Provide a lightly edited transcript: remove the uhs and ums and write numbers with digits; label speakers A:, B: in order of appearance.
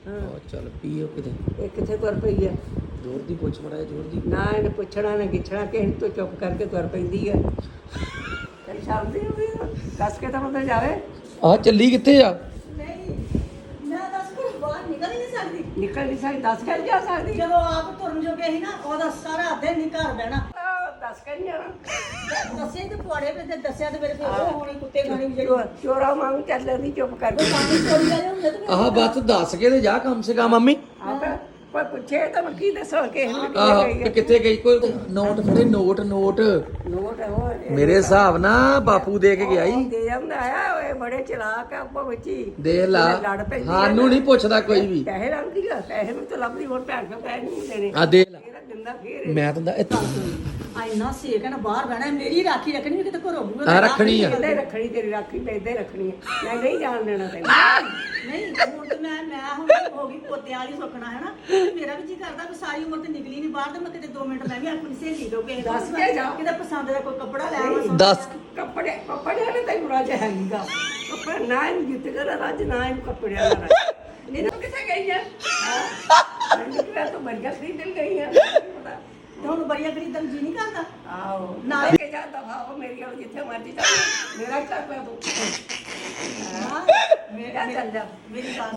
A: ਚੱਲ ਪੀਓ ਕਿਤੇ
B: ਇਹ ਕਿੱਥੇ ਤੁਰ ਪਈ ਆ?
A: ਜ਼ੋਰ ਦੀ ਪੁੱਛ ਮੜਾ ਜ਼ੋਰ ਦੀ
B: ਨਾ ਇਹਨੇ ਪੁੱਛਣਾ ਨਾ ਗਿੱਛਣਾ, ਕਿਸੇ ਤੋਂ ਚੁੱਪ ਕਰਕੇ ਤੁਰ ਪੈਂਦੀ ਆ। ਤੇਰੀ ਸ਼ਰਮ ਨਹੀਂ ਆਉਂਦੀ? ਦੱਸ ਕੇ ਤਾਂ ਬੰਦਾ ਜਾਵੇ।
A: ਆ ਚੱਲੀ ਕਿੱਥੇ ਆ?
C: ਨਹੀਂ ਮੈਂ ਦੱਸ ਕੋਈ ਬਾਹਰ ਨਿਕਲ ਹੀ ਨਹੀਂ ਸਕਦੀ।
B: ਨਿਕਲ ਨਹੀਂ ਸਕਦੀ, ਦੱਸ ਕੇ ਨੀ ਜਾ ਸਕਦੀ।
C: ਜਦੋਂ ਆਪ ਤੁਰਨ ਜੋਗੇ ਸੀ ਨਾ, ਉਹਦਾ ਸਾਰਾ ਦਿਨ ਨਹੀਂ ਘਰ ਬਹਿਣਾ।
B: ਦੱਸ ਕੇ ਨਹੀਂ ਜਾਣਾ।
C: ਦੱਸੇ ਤੇ ਪੁਆੜੇ ਤੇ ਦੱਸਿਆ ਤੇ ਮੇਰੇ ਕੋਲ ਉਹ ਹੋਣੀ ਕੁੱਤੇ ਖਾਣੀ ਵੀ ਜਿਹੜੀ
B: ਚੋਰਾ ਵਾਂਗ ਚੱਲ ਜਾਂਦੀ ਚੁੱਪ ਕਰਕੇ।
C: ਪਾਣੀ ਚੋਰੀ ਵਾਲੇ ਹੁੰਦੇ ਤੇ
A: ਆਹ ਬਸ ਦੱਸ ਕੇ ਤੇ ਜਾ ਕਮ ਸੇ ਕਮ ਮੰਮੀ।
B: ਆਪੇ ਕੋਈ ਪੁੱਛੇ ਤਾਂ ਮੈਂ ਕੀ ਦੱਸਾਂ ਕਿਸੇ ਨੂੰ ਕਿੱਥੇ
A: ਆਹ
B: ਗਈ
A: ਤੇ
B: ਆ।
A: ਕਿੱਥੇ ਗਈ? ਕੋਈ ਨੋਟ ਫੜੇ, ਨੋਟ
B: ਨੋਟ ਹੋਰ
A: ਮੇਰੇ ਹਿਸਾਬ ਨਾਲ ਬਾਪੂ ਦੇ ਕੇ ਗਿਆ ਈ।
B: ਦੇ ਜਾਂਦਾ ਆ। ਓਏ ਬੜੇ ਚਲਾਕ ਆ ਆਪਾਂ ਬੱਚੀ।
A: ਦੇ ਲਾ,
B: ਲੜ ਪੈਂਦੀ ਆ
A: ਸਾਨੂੰ ਨਹੀਂ ਪੁੱਛਦਾ ਕੋਈ ਵੀ।
B: ਪੈਸੇ ਲੱਭਦੀ ਆ, ਪੈਸੇ ਨੂੰ ਤਾਂ ਲੱਭਦੀ, ਹੋਰ ਭੈਣ ਕੋਲ ਪੈਸੇ ਨਹੀਂ ਦੇਣੇ।
A: ਆ ਦੇ ਲਾ,
B: ਇਹਦਾ ਦਿੰਦਾ ਫੇਰ
A: ਮੈਂ ਤਾਂ
C: ਇੰਨਾ ਸੇਕ ਹੈ ਨਾ, ਬਾਹਰ ਬਹਿਣਾ। ਮੇਰੀ ਰਾਖੀ ਰੱਖਣੀ ਵੀ ਕਿਤੇ ਘਰੋਂ
A: ਆ ਰੱਖਣੀ ਆ।
B: ਇੱਦਾਂ ਰੱਖਣੀ, ਤੇਰੀ ਰਾਖੀ ਤੇ ਇੱਦਾਂ ਰੱਖਣੀ ਆ। ਮੈਂ ਨਹੀਂ ਜਾਣ ਦੇਣਾ ਤੈਨੂੰ।
C: ਨਹੀਂ ਹੁਣ ਤੇ ਮੈਂ ਹੁਣ ਹੋ ਗਈ ਪੋਤਿਆਂ ਵਾਲੀ ਸੁੱਕਣਾ ਹੈ ਨਾ। ਮੇਰਾ ਵੀ ਜੀ ਕਰਦਾ ਵੀ ਸਾਰੀ ਉਮਰ ਤੇ ਨਿਕਲੀ ਨਹੀਂ ਬਾਹਰ, ਤੇ ਮੈਂ ਕਿਤੇ 2 ਮਿੰਟ ਮੈਂ ਵੀ ਆਪਣੀ ਸਹੇਲੀ ਤੋਂ ਕਿਸੇ
B: ਦੱਸ ਕੇ ਜਾ।
C: ਕਿਤੇ ਪਸੰਦ ਦਾ ਕੋਈ ਕੱਪੜਾ ਲੈ ਆਵਾਂ।
B: ਨਹੀਂ,
A: ਦੱਸ
B: ਕੱਪੜੇ ਨੇ ਤੈਨੂੰ ਰਾਜ ਹੈਗੀਗਾ। ਕੱਪੜਾ ਨਾ ਇਹਨੂੰ ਜਿੱਤ ਕਰ ਰਾਜ, ਨਾ ਇਹਨੂੰ ਕੱਪੜਿਆਂ ਦਾ ਰਾਜ। ਇਹਨੂੰ ਕਿੱਥੇ ਗਈ ਆ? ਮੈਨੂੰ ਕਿਹਾ ਤੂੰ ਬਰਗਰ ਖਰੀਦਣ ਗਈ ਆ। ਪਤਾ
C: ਤੇ ਹੁਣ ਬੜੀਆਂ ਖਰੀਦਣ ਜੀ ਨਹੀਂ ਕਰਦਾ।
B: ਆਓ
C: ਨਾ
B: ਲੈ ਕੇ ਜਾ ਦਫਾ ਹੋ ਮੇਰੀ ਵਾਲ ਜਿੱਥੇ ਮਰਜੀ ਚੱਲ। ਮੇਰਾ ਘਰ ਪਿਆ ਤੂੰ।
C: ਹਾਂ
B: ਮੇਰਾ ਚੱਲ ਜਾ।
C: ਮੇਰੀ ਗੱਲ